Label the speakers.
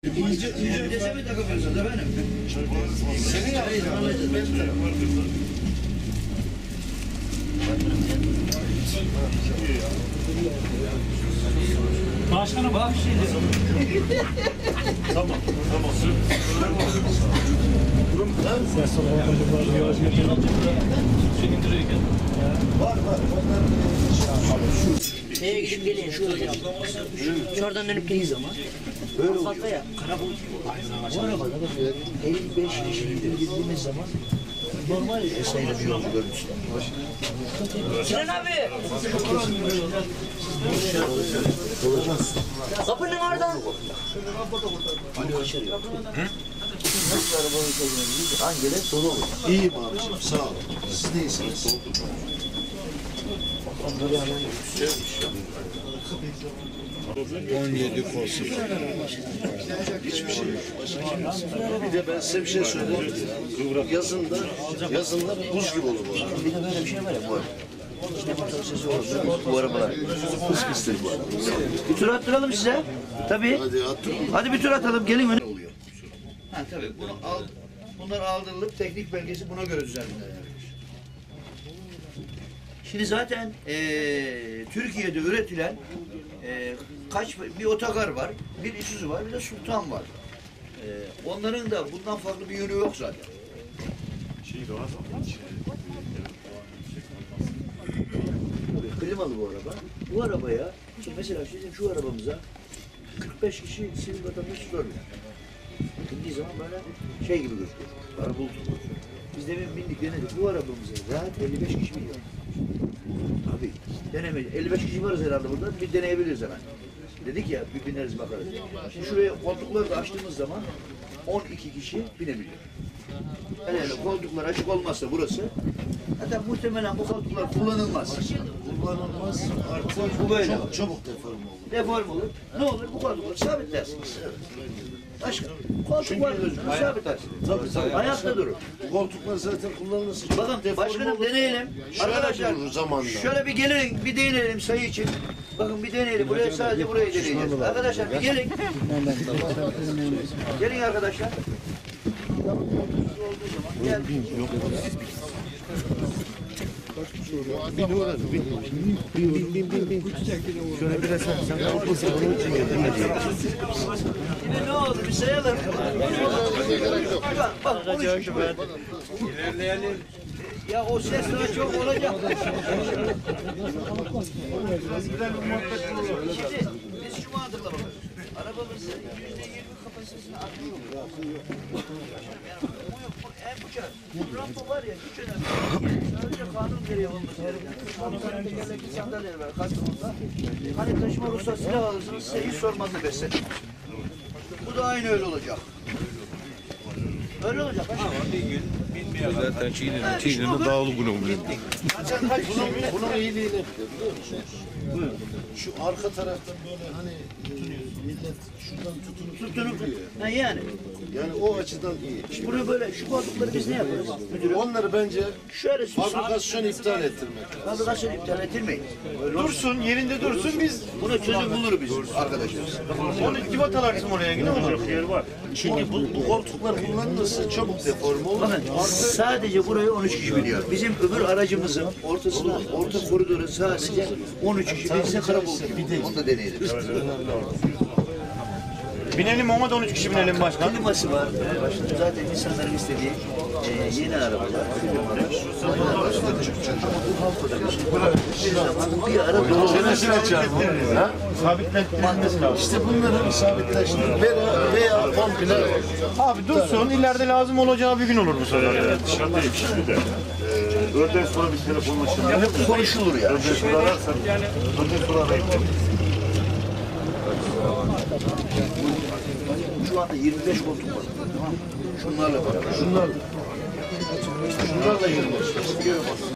Speaker 1: İnce mi takılıyorsunuz efendim? Senin yaptığın
Speaker 2: Başkanım bak şimdi.
Speaker 3: Tamam.
Speaker 1: var.
Speaker 4: Şeye gidip gelin şuraya. Şuradan dönüp gelin zaman.
Speaker 1: Böyle oluyor.
Speaker 4: Fazla ya. Karabulut.
Speaker 1: Bu arabada da 55 kişiyle girdiğimiz zaman normal sayıda bir yolcu görüntüsü.
Speaker 4: Sinan abi. Kapının oradan.
Speaker 1: Nasıl arabanın içine girince hangileri dolu olur? İyiyim abiciğim, sağ olun. Siz neyisiniz? 17 kolsuz. Hiçbir şey yok. Bir de ben size bir şey söyleyeyim. Yazında buz gibi olur bu araba. Bir de böyle bir şey var ya bu araba. İşte motor sesi olursa bu arabalar hız pistir bu araba. Bir tur attıralım size. Tabii. Hadi bir tur atalım. Gelin öne. Oluyor. Ha tabii. Bunlar aldırılıp teknik belgesi buna göre düzenlenir. Şimdi zaten Türkiye'de üretilen bir otogar var, bir Isuzu var, bir de Sultan var. Onların da bundan farklı bir yönü yok zaten. Klimalı bu araba. Bu arabaya, şimdi mesela bizim şu arabamıza 45 kişi sivil vatandaş sormuyor. Bindiği zaman böyle şey gibi gözüküyor. Araba bulut. Biz demin bindik, denedik. Bu arabamıza rahat 55 kişi biniyor. Abi denemeyiz. 55 kişi varız herhalde burada. Bir deneyebiliriz hemen. Dedik ya bir bineriz bakarız. Şimdi şuraya koltukları da açtığımız zaman 12 kişi binebiliyor. Yani koltuklar açık olmazsa burası hatta muhtemelen bu koltuklar kullanılmaz. Kullanılmaz artık bu böyle çabuk deform olur. Deform olur. Ne olur? Bu koltukları sabitlersiniz. Başka koltuk var gözüküyor. Sabitlersiniz. Tabii. Ayakta durur.
Speaker 3: Bu koltuklar zaten kullanılması.
Speaker 1: Bakın başkanım deneyelim. Arkadaşlar şöyle bir gelin bir deneyelim sayı için. Bakın bir deneyelim. Buraya sadece burayı deneyeceğiz. Arkadaşlar bir gelin. Gelin arkadaşlar. Gel.
Speaker 3: Bin. Şöyle biraz sen korkmasın onun için
Speaker 1: Şimdi ne oldu? Bir sayalım. Bak 13 kişi var.
Speaker 2: İlerleyelim.
Speaker 1: Ya o ses daha çok olacak. Şimdi biz şu mantığla bakalım. Arabamızın %20 kapasitesini arttırıyoruz. En uçar. Bu rampa var ya hiç önemli. Sadece kanun gereği olması gerekiyor. Kanun tekerlekli sandalyeler var. Kaçımızda. Hani taşıma ruhsat silah alırsınız size hiç sormazdı beslen. Bu da aynı öyle olacak. Öyle olacak.
Speaker 3: zaten Çiğne'nin dağlı bunu biliyor.
Speaker 1: Bunun
Speaker 3: iyiliği ne biliyor musunuz? Şu arka taraftan böyle hani millet şuradan tutunup
Speaker 1: Ha yani.
Speaker 3: Yani o açıdan iyi.
Speaker 1: Şimdi bunu böyle şu koltukları biz ne yaparız? Müdürüm.
Speaker 3: Onları bence
Speaker 1: Şöyle
Speaker 3: fabrikasyon iptal ettirmek lazım.
Speaker 1: fabrikasyon iptal ettirmeyin.
Speaker 2: Dursun, yerinde dursun biz.
Speaker 1: Buna çözüm bulur biz arkadaşlar.
Speaker 2: Onu irtibat alarsın oraya ne olacak yer var.
Speaker 3: Çünkü bu koltuklar kullanılırsa çabuk deforme olur.
Speaker 1: Bakın sadece burayı 13 kişi biliyor. Bizim öbür aracımızın orta koridoru sadece 13 kişi bilse karabulut gibi. Onu da deneyelim.
Speaker 2: Binelim ama da 13 kişi binelim başkan.
Speaker 1: Kliması var. Başında zaten insanların istediği yeni arabalar. Bir ara dolu.
Speaker 3: Çenesini açar mı?
Speaker 2: Sabitlenmesi lazım.
Speaker 3: İşte bunları sabitleştirmek veya komple
Speaker 2: Abi dursun, ileride lazım olacağı bir gün olur bu sefer.
Speaker 5: Evet, dışarıdayım şimdi de. Öğleden sonra bir telefonlaşalım.
Speaker 1: Ya hep konuşulur ya.
Speaker 5: Öğleden sonra ararsan, öğleden sonra arayayım.
Speaker 1: Şu anda 25 koltuk var. Şunlarla beraber.
Speaker 3: şunlarla 25.